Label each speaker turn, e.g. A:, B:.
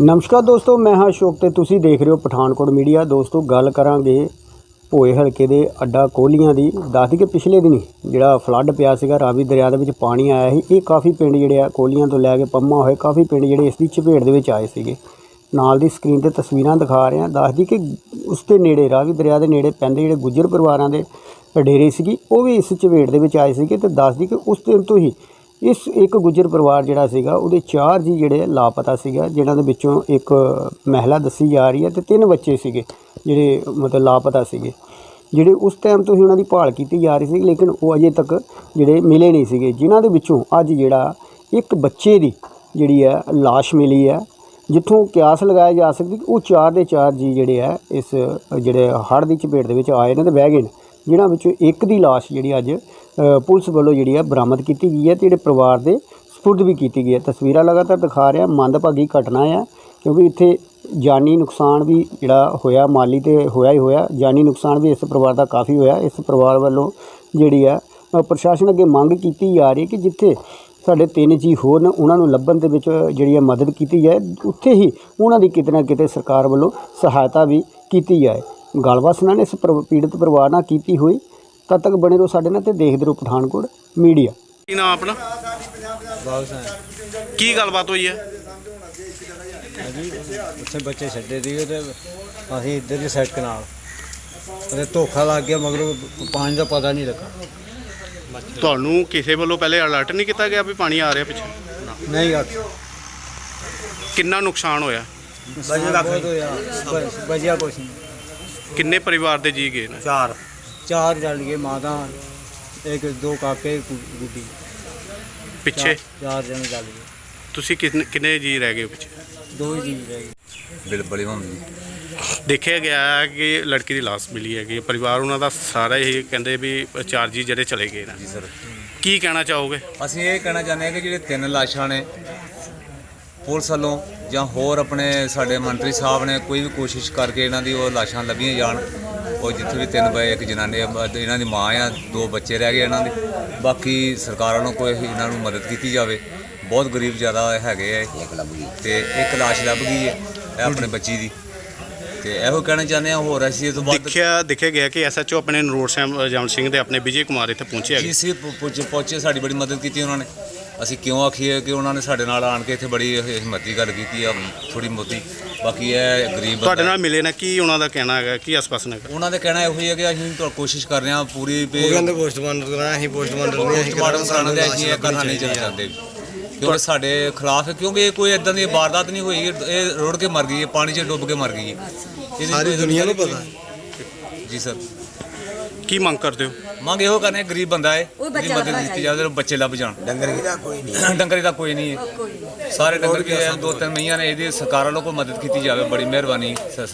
A: नमस्कार दोस्तों, मैं हाँ अशोक ते तुसी देख रहे हो पठानकोट मीडिया। दोस्तों गल करांगे भोए हल्के दे अड्डा कोहलियां दी। दस दी कि पिछले दिन जिहड़ा फ्लड पिया सीगा, रावी दरिया दे विच पानी आया ही। ये काफ़ी पिंड जिहड़े आ कोहलियां तो लैके पम्मा होए काफ़ी पिंड जिहड़े इस दी चपेट दे विच आए सीगे। नाल दी स्क्रीन ते तस्वीरां दिखा रहे हैं। दस दी कि उस दे नेड़े रावी दरिया दे नेड़े पैंदे जिहड़े गुज्जर परिवारां दे डेरे सीगी वो भी इस चपेट दे विच आए सीगे। ते दस दी कि उस दिन तो ही इस एक गुज्जर परिवार जिहड़ा सीगा उहदे 4 जी जिहड़े लापता सीगा, जिन्हां दे विचों एक महिला दसी जा रही है ते 3 बच्चे सीगे जिहड़े मतलब लापता सीगे, जिहड़े उस टाइम तो ही उन्हां दी भाल कीती जा रही सी, लेकिन वो अजे तक जिहड़े मिले नहीं सीगे। जिन्हां दे विचों अज जिहड़ा एक बच्चे दी जिहड़ी है लाश मिली है, जित्थों क्यास लगाया जा सकदी कि वो 4 दे 4 जी जिहड़े है इस जिहड़े हड़੍ਹ दी चपेट दे विच आए ने ते बह गए ने, जिन्हां विचों एक दी लाश जिहड़ी अज पुलिस वालों जिहड़ी है बरामद की गई है, जिहड़े परिवार दे सपुर्द भी की गई है। तस्वीरां लगातार दिखा रहे हैं। मंदभागी घटना है क्योंकि इत्थे जानी नुकसान भी जिहड़ा होया, माली तो होया ही होया, जानी नुकसान भी इस परिवार का काफ़ी होया। इस परिवार वालों जिहड़ी है प्रशासन अगे मंग की जा रही है कि जिथे साढ़े 3 जी होर न उन्हां नूं लभण दे विच जिहड़ी मदद की जाए, उत्थे ही उन्हां दी किते ना किते सरकार वालों सहायता भी की जाए। गलबात उन्हां ने इस पीड़ित परिवार नाल कीती हुई। तद तक बने रहो साडे नाल ते देखदे रहो पठानकोट मीडिया।
B: ਕੀ ਨਾਮ ਆਪਣਾ? ਕੀ ਗੱਲਬਾਤ ਹੋਈ ਹੈ?
C: जी उत्थे बच्चे छड्डे सीगे ते असीं इधर दी सड़क नाल ते धोखा लग गया, मगरों पानी का पता नहीं लगा।
B: ਤੁਹਾਨੂੰ ਕਿਸੇ ਵੱਲੋਂ ਪਹਿਲੇ ਅਲਰਟ ਨਹੀਂ ਕੀਤਾ ਗਿਆ ਵੀ ਪਾਣੀ ਆ ਰਿਹਾ ਪਿੱਛੇ?
C: नहीं गल
B: ਕਿੰਨਾ ਨੁਕਸਾਨ ਹੋਇਆ?
C: बजिया कुछ नहीं।
B: ਕਿੰਨੇ ਪਰਿਵਾਰ ਦੇ ਜੀ ਗਏ ਨੇ?
C: चार जल गए, माता एक 2 काके गुड्डी,
B: ਪਿੱਛੇ
C: 4 जन जल गए।
B: ਤੁਸੀਂ ਕਿੰਨੇ ਜੀ ਰਹਿ ਗਏ ਪਿੱਛੇ?
C: 2 ही जी रह गए।
D: ਬਿਲ ਬੜੀ ਹੁੰਦੀ
B: ਦੇਖਿਆ ਗਿਆ ਹੈ ਕਿ ਲੜਕੀ ਦੀ ਲਾਸ਼ ਮਿਲੀ ਹੈਗੀ। ਪਰਿਵਾਰ ਉਹਨਾਂ ਦਾ ਸਾਰਾ ਇਹ ਕਹਿੰਦੇ ਵੀ 4 ਜੀ ਜਿਹੜੇ ਚਲੇ ਗਏ ਨੇ।
D: ਜੀ ਸਰ,
B: ਕੀ ਕਹਿਣਾ ਚਾਹੋਗੇ?
D: ਅਸੀਂ ਇਹ ਕਹਿਣਾ ਚਾਹੁੰਦੇ ਹਾਂ ਕਿ ਜਿਹੜੇ 3 ਲਾਸ਼ਾਂ ਨੇ ਪੁਲਿਸ ਵੱਲੋਂ ਜਾਂ ਹੋਰ ਆਪਣੇ ਸਾਡੇ ਮੰਤਰੀ ਸਾਹਿਬ ਨੇ ਕੋਈ ਵੀ ਕੋਸ਼ਿਸ਼ ਕਰਕੇ ਇਹਨਾਂ ਦੀ ਉਹ ਲਾਸ਼ਾਂ ਲੱਭੀਆਂ ਜਾਣ। ਉਹ ਜਿੱਥੇ ਵੀ 3 ਬਏ, ਇੱਕ ਜਨਾਨੀ ਇਹਨਾਂ ਦੀ ਮਾਂ ਆ, 2 ਬੱਚੇ ਰਹਿ ਗਏ ਇਹਨਾਂ ਦੇ। ਬਾਕੀ ਸਰਕਾਰ ਵੱਲੋਂ ਕੋਈ ਇਹਨਾਂ ਨੂੰ ਮਦਦ ਕੀਤੀ ਜਾਵੇ। ਬਹੁਤ ਗਰੀਬ ਜ਼ਿਆਦਾ ਹੈਗੇ ਆ ਤੇ ਇੱਕ ਲਾਸ਼ ਲੱਭ ਗਈ ਹੈ ਇਹ ਆਪਣੇ ਬੱਚੀ ਦੀ। ਤੇ ਇਹੋ ਕਹਿਣਾ ਚਾਹੁੰਦੇ ਹਾਂ, ਹੋਰ ਅਸੀਂ ਇਹ ਤੋਂ ਬਾਅਦ
B: ਦੇਖਿਆ ਗਿਆ ਕਿ ਐਸਐਚਓ ਆਪਣੇ ਨਰੋੜ ਜਮਨ ਸਿੰਘ ਦੇ ਆਪਣੇ ਵਿਜੇ ਕੁਮਾਰ ਇੱਥੇ ਪਹੁੰਚੇ ਹੈਗੇ।
D: ਜੀ ਸੀ ਪਹੁੰਚੇ, ਸਾਡੀ ਬੜੀ ਮਦਦ ਕੀਤੀ ਉਹਨਾਂ ਨੇ। ਅਸੀਂ ਕਿਉਂ ਆਖੀਏ ਕਿ ਉਹਨਾਂ ਨੇ ਸਾਡੇ ਨਾਲ ਆਣ ਕੇ ਇੱਥੇ ਬੜੀ ਹਿੰਮਤੀ ਗੱਲ ਕੀਤੀ ਆ ਥੋੜੀ ਮੋਤੀ। ਬਾਕੀ ਇਹ ਗਰੀਬ
B: ਤੁਹਾਡੇ ਨਾਲ ਮਿਲੇ ਨੇ, ਕੀ ਉਹਨਾਂ ਦਾ ਕਹਿਣਾ ਹੈਗਾ, ਕੀ ਆਸ-ਪਾਸ ਹੈਗਾ?
D: ਉਹਨਾਂ ਦਾ ਕਹਿਣਾ ਇਹੋ ਹੀ ਹੈ ਕਿ ਅਸੀਂ ਕੋਸ਼ਿਸ਼ ਕਰ ਰਹੇ ਹਾਂ ਪੂਰੀ
C: ਕਹਿੰਦੇ ਪੋਸਟਮਾਰਟਮ ਕਰਾਣਾ, ਅਸੀਂ ਪੋਸਟਮਾਰਟਮ ਨਹੀਂ, ਅਸੀਂ
D: ਕਰਾਉਣਾ ਤੇ ਅਸੀਂ ਇਹ ਕਰਨਾ ਨਹੀਂ ਚਾਹੁੰਦੇ ਕਿਉਂਕਿ ਸਾਡੇ ਖਿਲਾਫ ਹੈ, ਕਿਉਂਕਿ ਇਹ ਕੋਈ ਇਦਾਂ ਦੀ ਵਾਰਦਾਤ ਨਹੀਂ ਹੋਈ। ਇਹ ਰੁੜ ਕੇ ਮਰ ਗਈ ਹੈ, ਪਾਣੀ 'ਚ ਡੁੱਬ ਕੇ ਮਰ ਗਈ ਹੈ,
C: ਸਾਰੀ ਦੁਨੀਆ ਨੂੰ ਪਤਾ।
D: ਜੀ ਸਰ,
B: ਕੀ ਮੰਗ ਕਰਦੇ ਹੋ?
D: ਮੰਗ ਇਹੋ ਕਰਨੇ, ਗਰੀਬ ਬੰਦਾ ਹੈ, ਉਹਦੀ ਮਦਦ ਕੀਤੀ ਜਾਵੇ, ਬੱਚੇ ਲੱਭ ਜਾਣ। ਡੰਗਰ ਦਾ ਕੋਈ ਨਹੀਂ ਹੈ, ਸਾਰੇ ਡੰਗਰ ਕੇ 2-3 ਮਹੀਆਂ ਨੇ। ਇਹਦੀ ਸਰਕਾਰ ਵੱਲੋਂ ਕੋਈ ਮਦਦ ਕੀਤੀ ਜਾਵੇ, ਬੜੀ ਮਿਹਰਬਾਨੀ।